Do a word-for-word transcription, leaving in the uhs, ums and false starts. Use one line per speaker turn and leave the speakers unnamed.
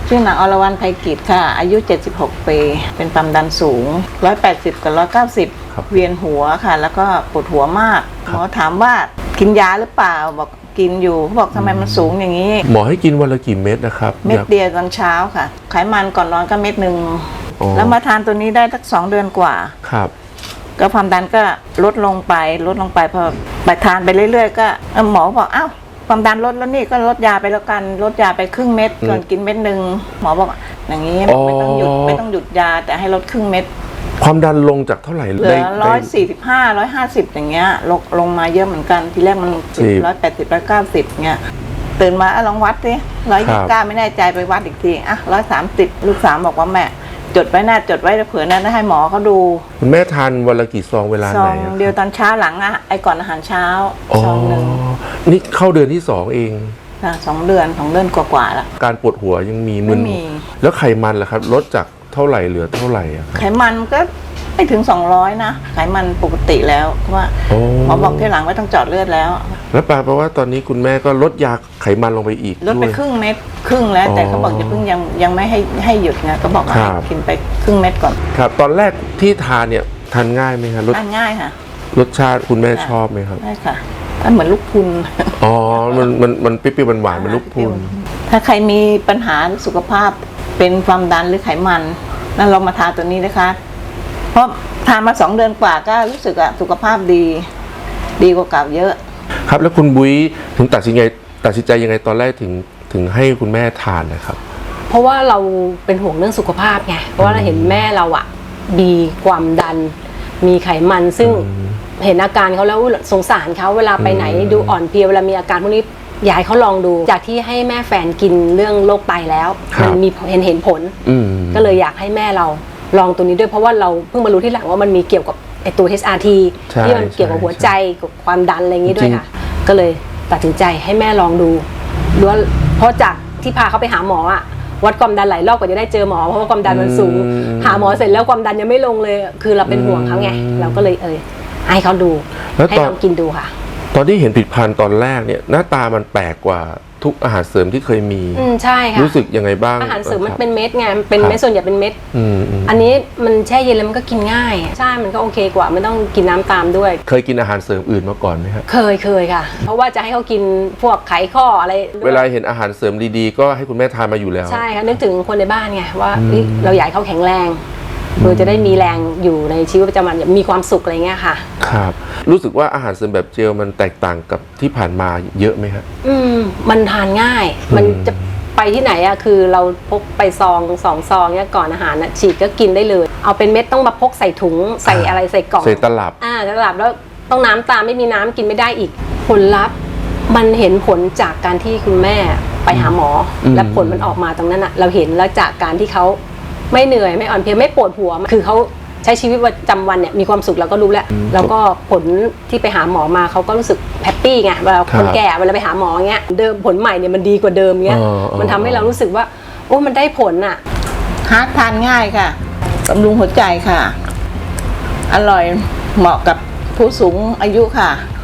ชื่อนางอรวรรณไพกิจค่ะอายุเจ็ดสิบหกปีเป็นความดันสูงหนึ่งร้อยแปดสิบกับหนึ่งร้อยเก้าสิบเวียนหัวค่ะแล้วก็ปวดหัวมากหมอถามว่ากินยาหรือเปล่าบอกกินอยู่เขาบอกทำไมมันสูงอย่างนี้
หมอให้กินวันละกี่เม็ดนะครับ
เม็ดเดียวตอนเช้าค่ะไขมันก่อนนอนก็เม็ดหนึ่งแล้วมาทานตัวนี้ได้สักสองเดือนกว่า
ครับ
ก็ความดันก็ลดลงไปลดลงไปพอไปทานไปเรื่อยๆก็หมอบอกอ้าวความดันลดแล้วนี่ก็ลดยาไปแล้วกันลดยาไปครึ่งเม็ดก่อนกินเม็ดหนึ่งหมอบอกอย่างนี้ไม่ต้องหยุดไม่ต้องหยุดยาแต่ให้ลดครึ่งเม็ด
ความดันลงจากเท่าไหร่
เหลือร้อยสี่สิบห้าร้อยห้าสิบอย่างเงี้ยลงลงมาเยอะเหมือนกันทีแรกมันร้อยแปดสิบร้อยเก้าสิบเงี้ยตื่นมาลองวัดสิร้อยยี่สิบเก้าไม่แน่ใจไปวัดอีกทีอ่ะร้อยสามสิบลูกสาวบอกว่าแม่จดไว้นะจดไว้เผื่อนั้นให้หมอเขาดู
คุณแม่ทานวันละกี่ซองเวลาไหนซอง
เดียวตอนเช้าหลังอะไอก่อนอาหารเช้าซองหนึ่ง
นี่เข้าเดือนที่สองเอง
ค่ะสองเดือนสองเดือนกว่าๆแล้ว
การปวดหัวยังมีมึนแล้วไขมันล่ะครับลดจากเท่าไหร่เหลือเท่าไหร่อะ
ไขมันก็ไม่ถึงสองร้อยนะไขมันปกติแล้วเพราะว่าหมอบอกที่หลังไม่ต้องเจาะเลือดแล้ว
แล้วแปลว่าตอนนี้คุณแม่ก็ลดยาไขมันลงไปอีก
ลดไปครึ่งเม็ดครึ่งแล้วแต่เขาบอกจะเพิ่งยังยังไม่ให้ให้หยุดไงก็บอกให้กินไปครึ่งเม็ดก่อน
ครับตอนแรกที่ทานเนี่ยทานง่ายไหมครับ
ทานง่ายค่ะ
รสชาติคุณแม่ชอบไหมครับ
ใช่ค่ะมันเหมือนลูกพุน
อ๋อมันมันมันเปรี้ยวๆหวานๆเหมือนลูกพุน
ถ้าใครมีปัญหาสุขภาพเป็นความดันหรือไขมันนั่นลองมาทานตัวนี้นะคะเพราะทานมาสองเดือนกว่าก็รู้สึกอะสุขภาพดีดีกว่าเก่าเยอะ
ครับแล้วคุณบุ้ยถึงตัดสินใจตัดสินใจยังไงตอนแรกถึงถึงให้คุณแม่ทานนะครับ
เพราะว่าเราเป็นห่วงเรื่องสุขภาพไงเพราะว่าเราเห็นแม่เราอะมีความดันมีไขมันซึ่งเห็นอาการเขาแล้วสงสารเขาเวลาไปไหนดูอ่อนเพลียเวลามีอาการพวกนี้อยากให้เขาลองดูจากที่ให้แม่แฟนกินเรื่องโรคไตแล้วมันมีเห็นเห็นผลก็เลยอยากให้แม่เราลองตัวนี้ด้วยเพราะว่าเราเพิ่งมารู้ที่หลังว่ามันมีเกี่ยวกับไอตัว เอช อาร์ ที ที่มันเกี่ยวกับหัวใจกับความดันอะไรอย่างนี้ด้วยค่ะก็เลยตัดสินใจให้แม่ลองดูดูว่าเพราะจากที่พาเขาไปหาหมออะวัดความดันหลายรอบกว่าจะได้เจอหมอเพราะว่าความดันมันสูงหาหมอเสร็จแล้วความดันยังไม่ลงเลยคือเราเป็นห่วงเขาไงเราก็เลยเออให้เขาดูให้เขากินดูค่ะ
ตอนที่เห็นผลิตภัณฑ์ตอนแรกเนี่ยหน้าตามันแปลกกว่าทุกอาหารเสริมที่เคยมี
อืมใช่ค่ะ
รู้สึกยังไงบ้าง
อาหารเสริมมันเป็นเม็ดไงเป็นเม็ดส่วนใหญ่เป็นเม็ดอันนี้มันแช่เย็นแล้วมันก็กินง่ายใช่มันก็โอเคกว่าไม่ต้องกินน้ำตามด้วย
เคยกินอาหารเสริมอื่นมาก่อนไหมครับ
เคยเคยค่ะเพราะว่าจะให้เขากินพวกไขข้ออะไร
เวลาเห็นอาหารเสริมดีๆก็ให้คุณแม่ทานมาอยู่แล้ว
ใช่ค่ะนึกถึงคนในบ้านไงว่าเราอยากให้เขาแข็งแรงเพื่อจะได้มีแรงอยู่ในชีวิตประจำวันมีความสุขอะไรเงี้ยค่ะ
ครับรู้สึกว่าอาหารเสริมแบบเจลมันแตกต่างกับที่ผ่านมาเยอะไหมครับ
อืมมันทานง่ายมันจะไปที่ไหนอะคือเราพกไปซองสองซองเนี้ยก่อนอาหารนะฉีดก็กินได้เลยเอาเป็นเม็ดต้องมาพกใส่ถุงใส่อะไรใส่กล่อง
ใส่ตลับ
อ่าตลับแล้วต้องน้ำตามไม่มีน้ำกินไม่ได้อีกผลลัพธ์มันเห็นผลจากการที่คุณแม่ไปหาหมอและผลมันออกมาตรงนั้นอะเราเห็นแล้วจากการที่เขาไม่เหนื่อยไม่อ่อนเพลียไม่ปวดหัวคือเขาใช้ชีวิตประจำวันเนี่ยมีความสุขเราก็รู้แล้วแล้วก็ผลที่ไปหาหมอมาเขาก็รู้สึกแฮปปี้ไงเวลาคนแก่เวลาไปหาหมอเงี้ยเดิมผลใหม่เนี่ยมันดีกว่าเดิมเงี้ยมันทำให้เรารู้สึกว่าโอ้มันได้ผลอ่ะ
ฮาร์ดทานง่ายค่ะบำรุงหัวใจค่ะอร่อยเหมาะกับผู้สูงอายุค่ะ